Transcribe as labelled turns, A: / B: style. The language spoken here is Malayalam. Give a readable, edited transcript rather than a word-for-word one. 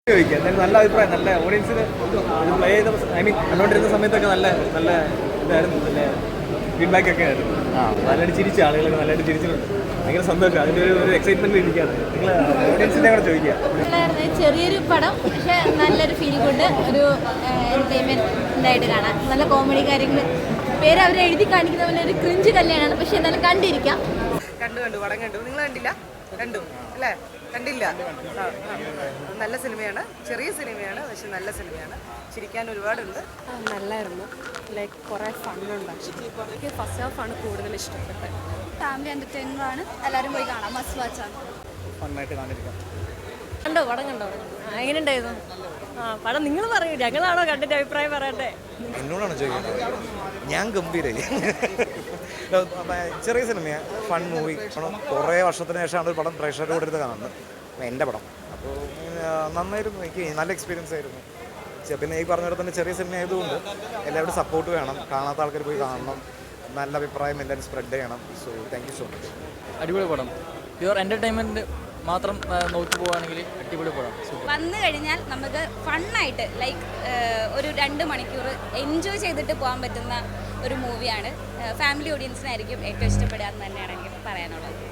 A: ചോദിക്കുക എന്തായാലും നല്ല അഭിപ്രായം, നല്ല ഓഡിയൻസിന് പ്ലേ ചെയ്ത കണ്ടോണ്ടിരുന്ന സമയത്തൊക്കെ നല്ല നല്ല ഇതായിരുന്നു, നല്ല ഫീഡ്ബാക്ക് ഒക്കെ ആയിരുന്നു. നല്ലതായിട്ട് ചിരിച്ച ആളുകളൊക്കെ നല്ലതായിട്ട് ചിരിച്ചിട്ടുണ്ട്. ഭയങ്കര സന്തോഷം, അതിൻ്റെ ഒരു എക്സൈറ്റ്മെന്റ് ഇരിക്കുകയാണ്. നിങ്ങൾ ഓഡിയൻസിൻ്റെ കൂടെ ചോദിക്കുക.
B: ചെറിയൊരു പടം, പക്ഷെ നല്ലൊരു ഫീൽ ഗുഡ്, ഒരു എന്റർടൈൻമെന്റ് ആയിട്ട് കാണാം. നല്ല കോമഡി കാര്യങ്ങൾ, പേര് അവർ എഴുതി കാണിക്കുന്ന പോലെ ഒരു ക്രിഞ്ച് കല്യാണമാണ്, പക്ഷെ എന്നാലും കണ്ടിരിക്കാം.
C: കണ്ടു പടം കണ്ടു. നിങ്ങൾ കണ്ടില്ല? കണ്ടു അല്ലേ? കണ്ടില്ല? നല്ല സിനിമയാണ്, ചെറിയ സിനിമയാണ്, പക്ഷെ നല്ല സിനിമയാണ്. ചിരിക്കാൻ ഒരുപാടുണ്ട്.
D: നല്ലായിരുന്നു. ലൈക്ക് കുറേ ഫണ്ണുണ്ടാക്കി. എനിക്ക് ഫസ്റ്റ് ഹാഫാണ് കൂടുതൽ ഇഷ്ടപ്പെട്ടത്.
B: ഫാമിലി എന്റർടൈനർ ആണ്, എല്ലാവരും പോയി കാണാം, മസ്റ്റ് വാച്ചാണ്.
A: ഫണ്ണായിട്ട് കാണിരിക്കാം.
D: കണ്ടോ? പടം കണ്ടോ? എങ്ങനെ ഉണ്ടായിരുന്നു? പടം നിങ്ങൾ പറയൂ, ഞങ്ങളാണോ കണ്ടിട്ട് അഭിപ്രായം പറയട്ടെ?
E: എന്നോടാണ് ചോദിക്കുന്നത്. ഞാൻ ഗംഭീരായി. ചെറിയ സിനിമയാണ്, ഫൺ മൂവി. കുറേ വർഷത്തിന് ശേഷമാണ് ഒരു പടം പ്രേക്ഷകരുടെ കൂടെ ഇരുന്ന് കാണുന്നത്, എൻ്റെ പടം. അപ്പോൾ നന്നായിരുന്നു, എനിക്ക് നല്ല എക്സ്പീരിയൻസ് ആയിരുന്നു. പിന്നെ ഈ പറഞ്ഞ പോലെ തന്നെ ചെറിയ സിനിമ ആയതുകൊണ്ട് എല്ലാവരും സപ്പോർട്ട് വേണം, കാണാത്ത ആൾക്കാർ പോയി കാണണം, നല്ല അഭിപ്രായം എല്ലാവരും സ്പ്രെഡ് ചെയ്യണം. So thank you so much.
F: അടിപൊളി പടം, പ്യുവർ എൻ്റർടൈൻമെൻറ്റ് മാത്രം നോക്കി പോവുകയാണെങ്കിൽ അടിപൊളി പടം.
B: വന്നു കഴിഞ്ഞാൽ നമുക്ക് ഫണ്ണായിട്ട് ലൈക്ക് ഒരു 2 മണിക്കൂർ എൻജോയ് ചെയ്തിട്ട് പോകാൻ പറ്റുന്ന ഒരു മൂവിയാണ്. ഫാമിലി ഓഡിയൻസിനായിരിക്കും ഏറ്റവും ഇഷ്ടപ്പെടുക എന്ന് തന്നെയാണ് എനിക്ക് പറയാനുള്ളത്.